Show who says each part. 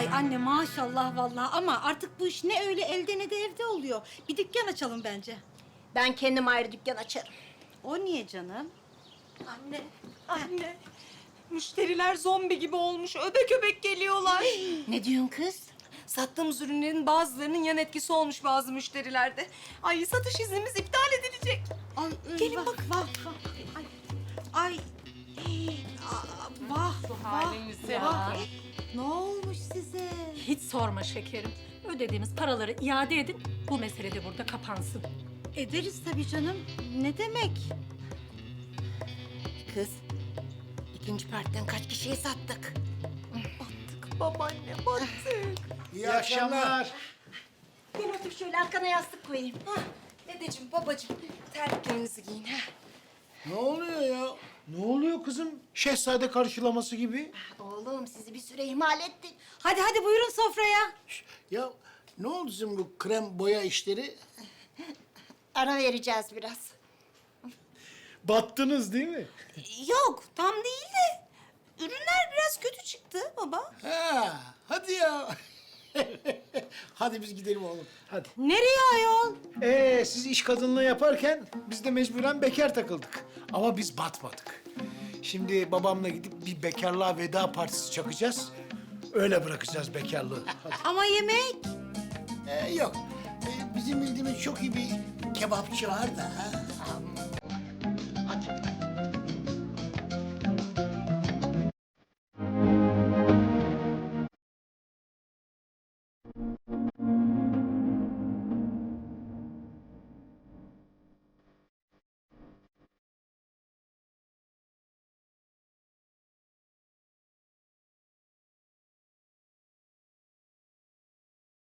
Speaker 1: Ay anne maşallah vallahi ama artık bu iş ne öyle elde ne de evde oluyor. Bir dükkan açalım bence.
Speaker 2: Ben kendim ayrı dükkan açarım.
Speaker 1: O niye canım?
Speaker 3: Anne, anne. Müşteriler zombi gibi olmuş. Öbek öbek geliyorlar.
Speaker 2: Ne diyorsun kız?
Speaker 3: Sattığımız ürünlerin bazılarının yan etkisi olmuş bazı müşterilerde. Ay satış iznimiz iptal edilecek.
Speaker 1: Ay,
Speaker 3: Gelin
Speaker 1: vah,
Speaker 3: bakın.
Speaker 1: Vah, vah. Ay, ay. Vah,
Speaker 4: haliniz ya.
Speaker 1: vah. Ne olmuş size?
Speaker 4: Hiç sorma şekerim. Ödediğimiz paraları iade edin. Bu mesele de burada kapansın.
Speaker 1: Ederiz tabii canım. Ne demek?
Speaker 2: Kız, ikinci partiden kaç kişiye sattık?
Speaker 3: Babaanne battık.
Speaker 5: İyi akşamlar.
Speaker 2: Gel otur şöyle arkana yastık koyayım.
Speaker 3: Hah, dedeciğim, babacığım terliklerinizi giyin. Ha.
Speaker 5: Ne oluyor ya? Ne oluyor kızım? Şehzade karşılaması gibi.
Speaker 2: Oğlum sizi bir süre ihmal ettik.
Speaker 1: Hadi hadi buyurun sofraya.
Speaker 5: Ya ne oldu sizin bu krem boya işleri?
Speaker 2: Ara vereceğiz biraz.
Speaker 5: Battınız değil mi?
Speaker 3: Yok, tam değil de ürünler biraz kötü çıktı baba.
Speaker 5: Ha, hadi ya. Hadi biz gidelim oğlum. Hadi.
Speaker 1: Nereye ayol?
Speaker 5: Siz iş kadınlığı yaparken biz de mecburen bekar takıldık. Ama biz batmadık. Şimdi babamla gidip bir bekarlığa veda partisi çakacağız. Öyle bırakacağız bekarlığı. Hadi.
Speaker 1: Ama yemek.
Speaker 5: Yok. Bizim bildiğimiz çok iyi bir kebapçı var da. Ha?